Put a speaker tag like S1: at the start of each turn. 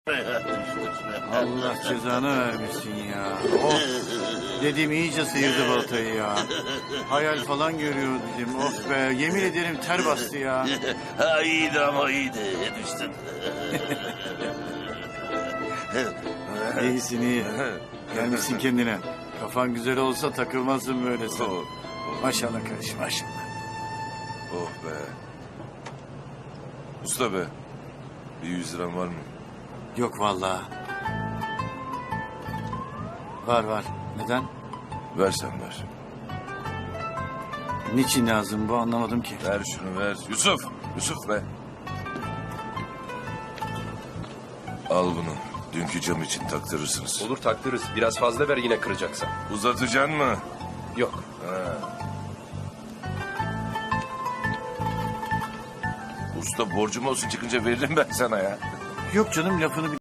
S1: Allah cezanı vermesin ya. Of. Dedim iyice sıyırdı baltayı ya. Hayal falan görüyor dedim. Of be, yemin ederim ter bastı ya.
S2: Ha iyiydi ama iyiydi. Düştün.
S1: İyisin iyi. Gelmişsin kendine. Kafan güzel olsa takılmazsın böyle sen. Maşallah kardeşim maşallah.
S2: Oh be. Usta be. Bir 100 liram var mı?
S1: Yok vallahi. Var var. Neden?
S2: Ver sen ver.
S1: Niçin lazım bu anlamadım ki.
S2: Ver şunu ver. Yusuf. Yusuf be. Al bunu. Dünkü cam için taktırırsınız.
S3: Olur taktırırız. Biraz fazla ver yine kıracaksan.
S2: Uzatacaksın mı?
S3: Yok.
S2: Usta borcum olsun çıkınca veririm ben sana ya.
S1: Yok canım lafını